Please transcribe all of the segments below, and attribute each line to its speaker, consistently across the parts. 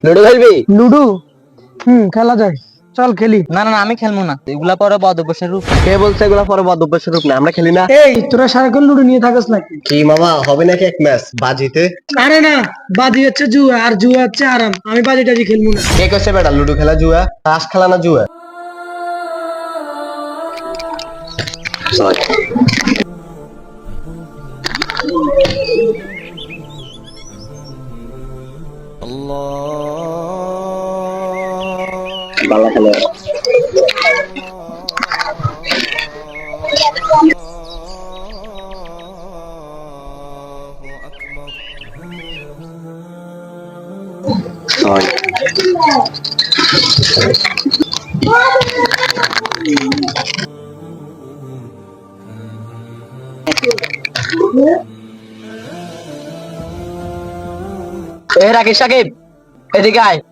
Speaker 1: Ludo খেলবি?
Speaker 2: Ludo খেলা যায়, চল খেলি।
Speaker 3: না না না, আমি খেলবো না, এগুলা পরে বদ অভ্যাসের রূপ।
Speaker 1: কে বলছে এগুলা পরে বদ অভ্যাসের রূপ না? আমরা খেলি না।
Speaker 2: এই তোরা সারাক্ষণ লুডো নিয়ে থাকিস নাকি?
Speaker 1: কি মামা, হবে নাকি এক ম্যাচ বাজিতে?
Speaker 2: আরে না, বাজি হচ্ছে জুয়া, আর জুয়া হচ্ছে আরাম। আমি বাজি টাজি খেলবো না।
Speaker 1: কে কইছে বেটা লুডো খেলা জুয়া? তাস খেলা না জুয়া? বাংলা খেলা। ছয়।
Speaker 3: রাকিব সাকিব, এদিকে আয়।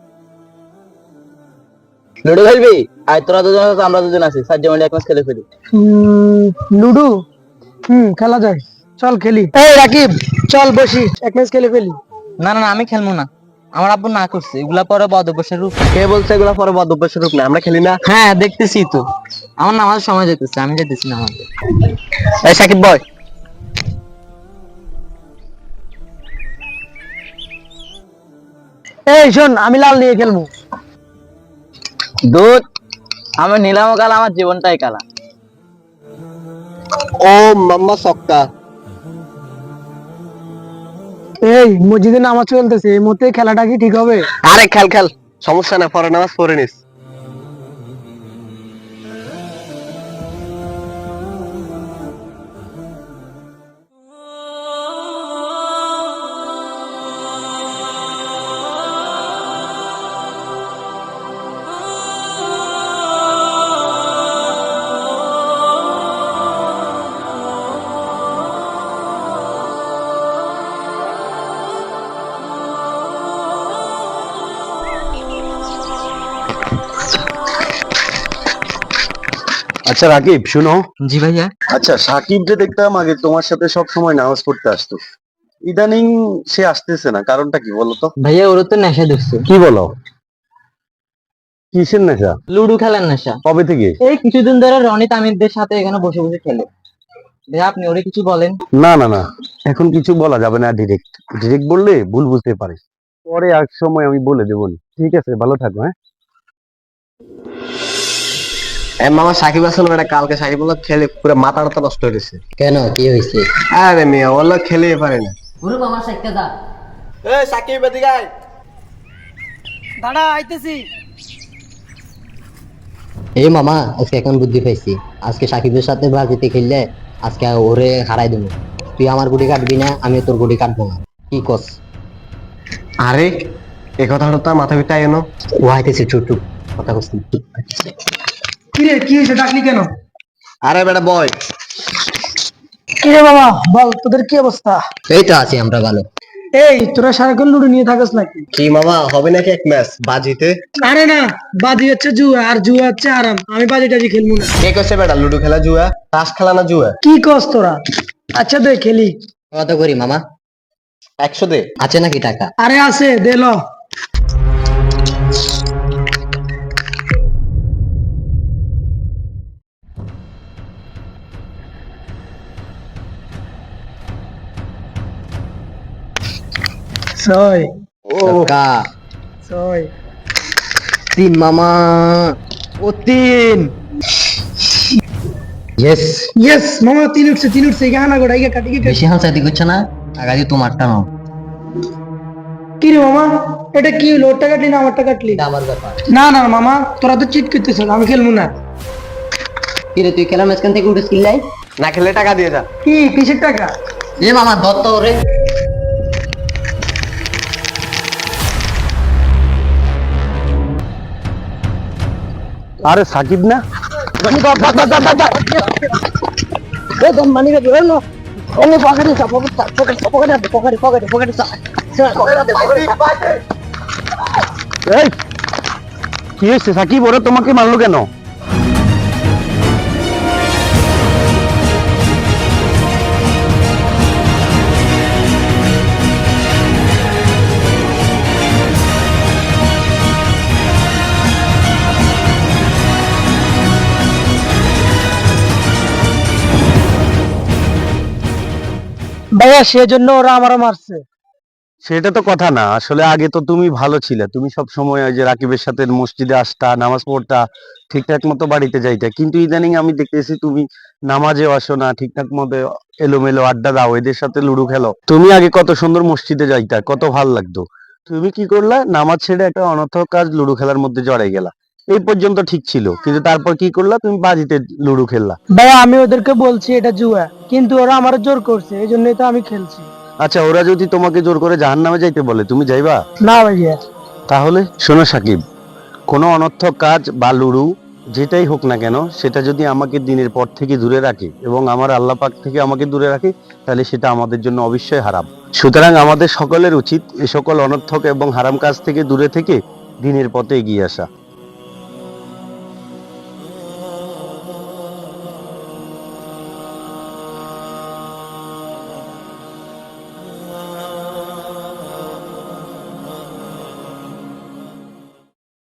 Speaker 1: লুডো খেলবি? আয়, তোরা দুজন আছিস, আমরা দুজন আছি, সাত জমা এক ম্যাচ খেলে ফেলি।
Speaker 2: লুডো খেলা যায়, চল খেলি। এই রাকিব, চল বসি, এক ম্যাচ খেলে ফেলি।
Speaker 3: না না না, আমি খেলবো না, আমার আব্বু না করছে, এগুলা পরে বদ অভ্যাসের রূপ।
Speaker 1: কে বলছে এগুলা পরে বদ অভ্যাসের রূপ না? আমরা খেলি না।
Speaker 3: হ্যাঁ দেখতেছি তো, আমার নামাজ সময় যেতেছে, আমি যেতেছি না আমাকে।
Speaker 1: এই সাকিব বয়।
Speaker 2: এই শোন, আমি লাল নিয়ে খেলবো।
Speaker 3: দুধ, আমি নিলাম কালা, আমার জীবনটাই কালা।
Speaker 1: ও মাম্মা সক্কা।
Speaker 2: এই মসজিদে নামাজ চলতেছে, এই মুহূর্তে খেলাটা কি ঠিক হবে?
Speaker 1: আরে খেল খেল, সমস্যা না, পরে নামাজ পড়ে নিস।
Speaker 4: আচ্ছা রাকিব, শুনো।
Speaker 3: জি ভাইয়া।
Speaker 4: আচ্ছা, সাকিব যে দেখতাম আগে তোমার সাথে সব সময় নামাজ পড়তে আসতো, ইদানিং সে আসতেছে না, কারণটা কি বলো তো?
Speaker 3: ভাইয়া, ওর তো নেশা ধরছে।
Speaker 4: কি বলো? কিসের নেশা?
Speaker 3: লুডো খেলার নেশা।
Speaker 4: কবে থেকে?
Speaker 3: এই কিছুদিন ধরে রনি তামিরদের সাথে এখানে বসে বসে খেলে। ভাইয়া আপনি ওরে কিছু বলেন।
Speaker 4: না না না, এখন কিছু বলা যাবে না। ডিরেক্ট ডিরেক্ট বললে ভুল বুঝতে পারে, পরে এক সময় আমি বলে দেবো। ঠিক আছে, ভালো থাকো। হ্যাঁ,
Speaker 1: মামা সাকিব আসলে বেটা, কালকে সাকিব বললো খেলে পুরো মাথাটা নষ্ট হয়ে গেছে।
Speaker 3: কেন, কি হয়েছে?
Speaker 1: আরে মিয়া বললো খেলে পারে না।
Speaker 3: গুরু মামা সাইকেল দা।
Speaker 1: এই সাকিব এদিকে আয়।
Speaker 2: দাঁড়া, আইতেছি।
Speaker 5: এই মামা, আজকে এখন বুদ্ধি পাইছি। আজকে সাকিবের সাথে বাজিতে খেললে আজকে ওরে হারাই দেবো। তুই আমার গুটি কাটবি না, আমি তোর গুটি কাটবো না। কি কস?
Speaker 1: আরে এই কথাটা তো মাথা ভিতরে এনো।
Speaker 5: ও আইতেছে, চুপ চুপ, কথা কস না।
Speaker 2: কি রে, কি হয়েছে, ডাকলি কেন?
Speaker 1: আরে বেটা বয়।
Speaker 2: কি রে বাবা, বল, তোদের কি অবস্থা?
Speaker 5: এই তো আছি আমরা ভালো।
Speaker 2: এই তোরা সারাক্ষণ লুডো নিয়ে থাকিস নাকি?
Speaker 1: কি মামা, হবে নাকি এক ম্যাচ বাজিতে?
Speaker 2: আরে না, বাজি হচ্ছে জুয়া, আর জুয়া হচ্ছে আরাম। আমি বাজি টাজি খেলবো না।
Speaker 1: কে কইছে বেটা লুডো খেলা জুয়া? তাস খেলা না জুয়া?
Speaker 2: কি কস তোরা? আচ্ছা দে খেলি।
Speaker 5: কত করি মামা?
Speaker 1: 100 দে।
Speaker 5: আছে নাকি টাকা?
Speaker 2: আরে আছে, দে ল। ছয়।
Speaker 5: টাকা
Speaker 2: ছয়।
Speaker 5: 3 মামা। ও 3। ইয়েস।
Speaker 2: ইয়েস মামা, তিন উঠছে, তিন উঠছে। গানা গোড়া ইয়ে কাটি কাটি।
Speaker 5: বেশি হাসাইতে করছে না, টাকা দিয়ে তোমারটা নাও।
Speaker 2: কি রে মামা, এটা কি হলো? ওরটা কাটলি না আমারটা কাটলি?
Speaker 5: এটা আমার ব্যাপার।
Speaker 2: না না মামা, তোরা তো চিট করতেছ, আমি খেলবো না।
Speaker 5: কি রে, তুই খেলার মাঝখান থেকে উঠে skill নাই?
Speaker 1: না খেলে টাকা দিয়ে যা।
Speaker 2: কি, কিসের টাকা?
Speaker 5: এ মামা, দত্ত রে।
Speaker 4: আরে সাকিব না? এই, কি হয়েছে সাকিব? ওরা তোমাকে মারলো কেন?
Speaker 2: ভাইয়া সেজন্য ওরা আমারও মারছে।
Speaker 4: সেটা তো কথা না, আসলে আগে তো তুমি ভালো ছিলে, তুমি সব সময় ওই যে রাকিবের সাথে মসজিদে আসতা, নামাজ পড়তা, ঠিকঠাক মতো বাড়িতে যাইতা, কিন্তু ইদানিং আমি দেখতেছি তুমি নামাজেও আসো না, ঠিকঠাক মতো এলোমেলো আড্ডা দাও, এদের সাথে লুডো খেলো। তুমি আগে কত সুন্দর মসজিদে যাইতা, কত ভাল লাগতো। তুমি কি করলা, নামাজ ছেড়ে একটা অনর্থক কাজ লুডো খেলার মধ্যে জড়াই গেলা। এই পর্যন্ত ঠিক ছিল, কিন্তু তারপর কি করলা, তুমি বাজিতে লুডো খেললা।
Speaker 2: ভাইয়া আমি ওদেরকে বলছি এটা জুয়া, কিন্তু ওরা আমার জোর করছে, এই জন্যই তো আমি খেলছি।
Speaker 4: আচ্ছা, ওরা যদি তোমাকে জোর করে জাহান্নামে যাইতে বলে, তুমি যাইবা?
Speaker 2: না ভাইয়া।
Speaker 4: তাহলে শোনো সাকিব, কোনো অনর্থক কাজ বা লুডু যেটাই হোক না কেন, সেটা যদি আমাকে দিনের পর থেকে দূরে রাখে এবং আমার আল্লাহ পাক থেকে আমাকে দূরে রাখে, তাহলে সেটা আমাদের জন্য অবশ্যই হারাম। সুতরাং আমাদের সকলের উচিত এ সকল অনর্থক এবং হারাম কাজ থেকে দূরে থেকে দিনের পথে এগিয়ে আসা।